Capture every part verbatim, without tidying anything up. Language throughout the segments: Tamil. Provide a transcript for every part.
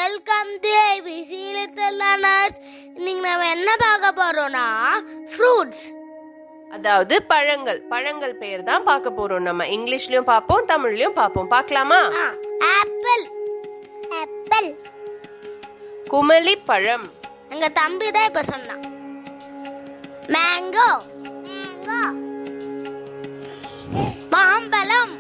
Welcome to ABC little learners. இன்னைக்கு நம்ம என்ன பார்க்க போறோம்னா ஃப்ரூட்ஸ், அதாவது பழங்கள். பழங்கள் பெயர் தான் பார்க்க போறோம். நம்ம இங்கிலீஷ்லயும் பார்ப்போம், தமிழ்லயும் பார்ப்போம். பார்க்கலாமா? ஆப்பிள் ஆப்பிள் குமலி பழம். எங்க தம்பி தான் இப்ப சொன்னான். மேங்கோ மேங்கோ மாம்பழம்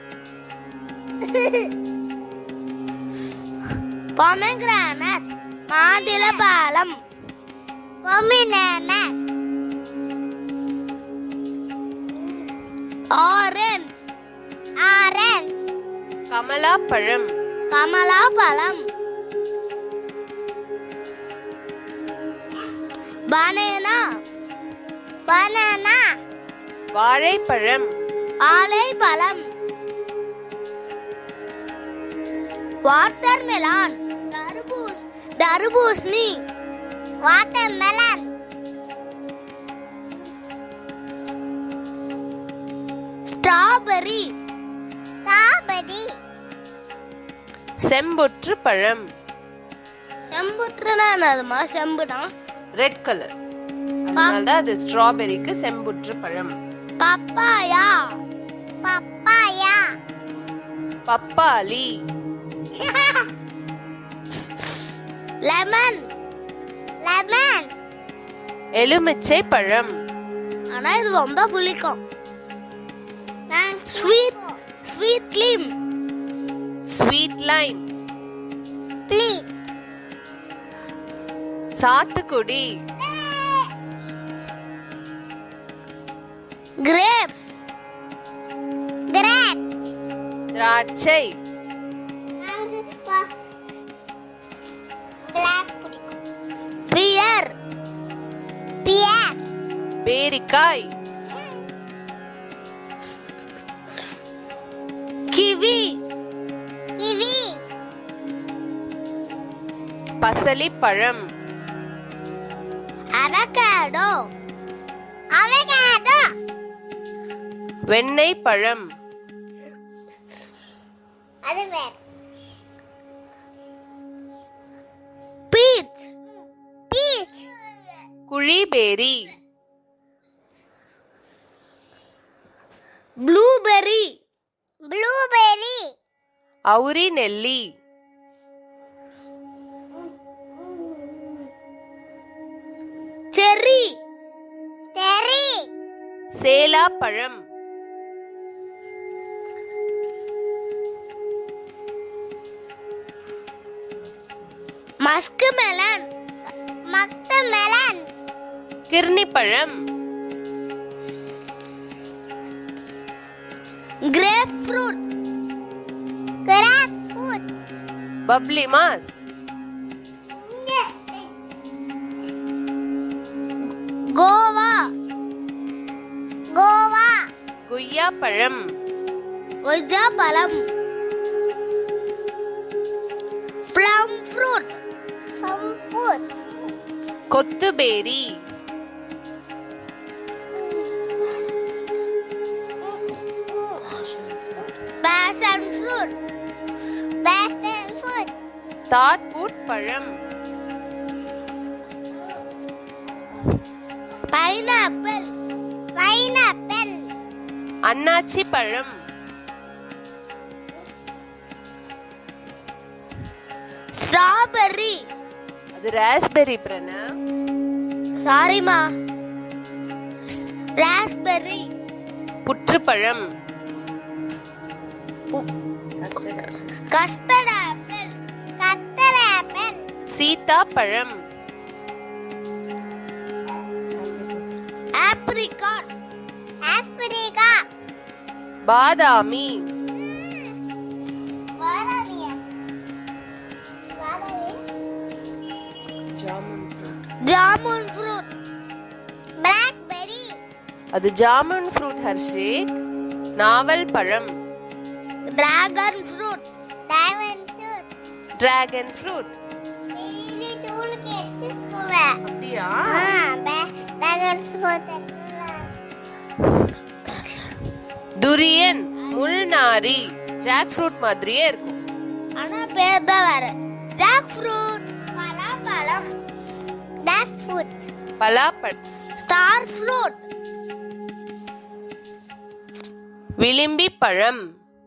பொமேகிரானட் மாதுளம்பழம் பொமினேனட் ஆரஞ்சு ஆரஞ்சு கமலா பழம் கமலா பழம் பனானா பனானா வாழைப்பழம் ஆலைப்பழம் வாட்டர்மெலன் தர்பூஸ் தர்பூசணி வாட்டர்மெலன் ஸ்ட்ராபெரி ஸ்ட்ராபெரி செம்புற்று பழம். செம்புற்றுனா என்னதுமா? செம்புனா ரெட் கலர், அதனாலதான் அது ஸ்ட்ராபெரிக்கு செம்புற்று பழம். பப்பாயா பப்பாயா பப்பாளி லெமன் லெமன் எலுமிச்சை பழம். ஆனா இது ரொம்ப புளிக்கும். Sweet sweet lime sweet lime ப்ளீ சாத்துக்குடி கிரேப்ஸ் கிரேப்ஸ் திராட்சை பியர் பியர் பேரிக்காய் கிவி கிவி பசலி பழம் அவகேடோ அவகேடோ வெண்ணெய் பழம் அது வேற பீச் பீச் குழிபேரி ப்ளூபெர்ரி ப்ளூபெர்ரி அவுரி நெல்லி செர்ரி செர்ரி சேலா பழம் மஸ்க் மெலன் மஸ்க் மெலன் கிர்னி பழம் கிரேப் ஃப்ரூட் கிரேப் ஃப்ரூட் பப்ளி மாஸ் கோவா கோவா குய்யா பழம் கொய்யா பழம் ப்ளம் ஃப்ரூட் ப்ளம் ஃப்ரூட் கொத்துபேரி பேஷன் ஃப்ரூட் பேஷன் ஃப்ரூட் தாட்பூட் பழம் பைனாப்பிள் பைனாப்பிள் அன்னாச்சி பழம் ஸ்ட்ராபெர்ரி அது ராஸ்பெரி பிரண சாரிமா ராஸ்பெர்ரி புற்றுப்பழம் கஸ்டர்ட் ஆப்பிள் கஸ்டர்ட் ஆப்பிள் சீதா பழம் ஆப்ரிகாட் ஆப்ரிகாட் பாதாமி பாதாமியா ஜாமுன் ஃப்ரூட் பிளாக்பெர்ரி அது ஜாமுன் ஃப்ரூட் ஹர்ஷேக். நாவல் பழம் dragon fruit dragon fruit dragon fruit. Daily தூளுக்கு எடுத்துக்குவேன். அப்படியா? டிராகன் ஃப்ரூட் துரியன் முள்நாரி ஜாக் ஃப்ரூட் மாதிரியே இருக்கும். ஆனா பேர் தான் வேற. ஜாக் ஃப்ரூட் பலாப்பழம் ஜாக் ஃப்ரூட் பலாப்பழம். ஸ்டார் ஃப்ரூட் விளிம்பி பழம்.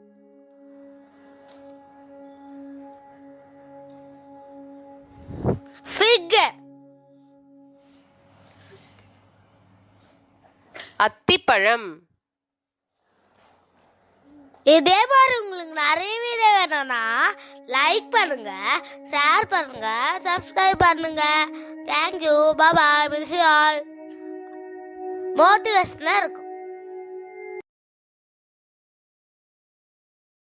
ஃபிக் அத்திப்பழம். இதே மாதிரி உங்களுக்கு நிறைய வீடியோ வேணும்னா லைக் பண்ணுங்க, ஷேர் பண்ணுங்க, சப்ஸ்கிரைப் பண்ணுங்க. Thank you, bye, miss all. மோட்டிவேஷனா இருக்கும்.